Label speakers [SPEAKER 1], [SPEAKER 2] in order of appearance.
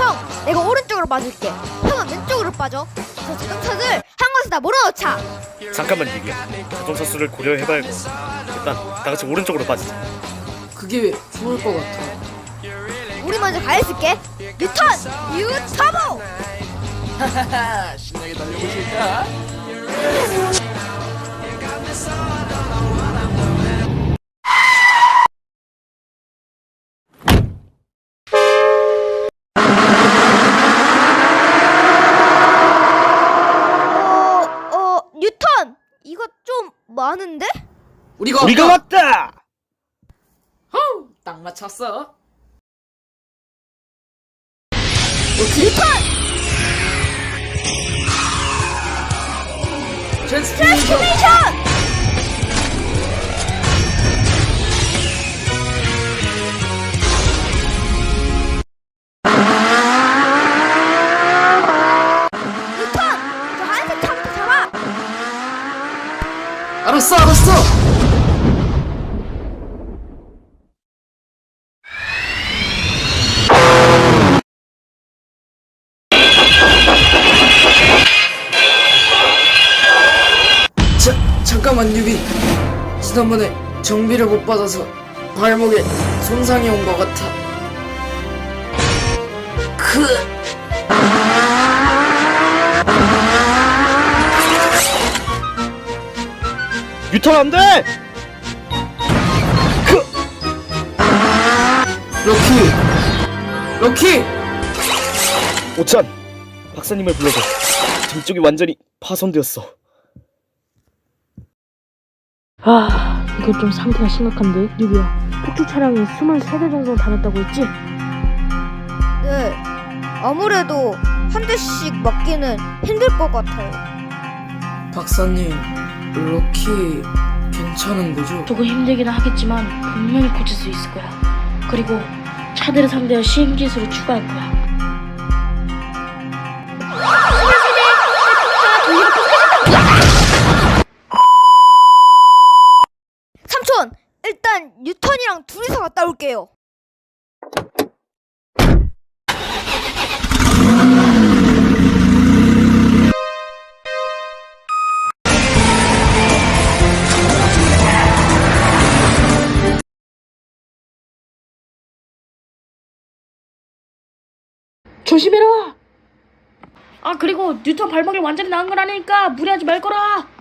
[SPEAKER 1] 형, 내가 오른쪽으로 빠질게. 형은 왼쪽으로 빠져. 저 자동차들 한 곳에 다 몰아넣자.
[SPEAKER 2] 잠깐만 유비야. 자동차 수를 고려해봐야겠어. 일단 다 같이 오른쪽으로 빠지자.
[SPEAKER 3] 그게 좋을 것 같아.
[SPEAKER 1] 우리 먼저 가 있을게. 뉴턴, 뉴터보.
[SPEAKER 3] 하하하, 신나게 달려보실까?
[SPEAKER 1] 뉴턴. 이거 좀 많은데?
[SPEAKER 3] 우리가
[SPEAKER 2] 왔다!
[SPEAKER 3] 허우, 딱 맞췄어.
[SPEAKER 1] 뉴턴.
[SPEAKER 3] 트랜스포메이션.
[SPEAKER 1] 트랜스포메이션. 뉴턴, 저 하얀색 차부터 잡아.
[SPEAKER 3] 알았어. 잠깐만 유비. 지난번에 정비를 못 받아서 발목에 손상이 온 것 같아.
[SPEAKER 2] 유턴 안 돼!
[SPEAKER 3] 럭키.
[SPEAKER 2] 오찬! 박사님을 불러줘. 등 쪽이 완전히 파손되었어.
[SPEAKER 4] 이거 좀 상태가 심각한데? 뉴비야, 폭주 차량이 23대 정도 다녔다고 했지?
[SPEAKER 1] 네, 아무래도 한 대씩 맞기는 힘들 것 같아요.
[SPEAKER 3] 박사님, 럭키 괜찮은 거죠?
[SPEAKER 4] 조금 힘들긴 하겠지만 분명히 고칠 수 있을 거야. 그리고 차들을 상대한 시행기술을 추가할 거야.
[SPEAKER 1] 삼촌, 일단 뉴턴이랑 둘이서 갔다 올게요.
[SPEAKER 4] 조심해라! 그리고 뉴턴 발목이 완전히 나은 건 아니니까 무리하지 말 거라!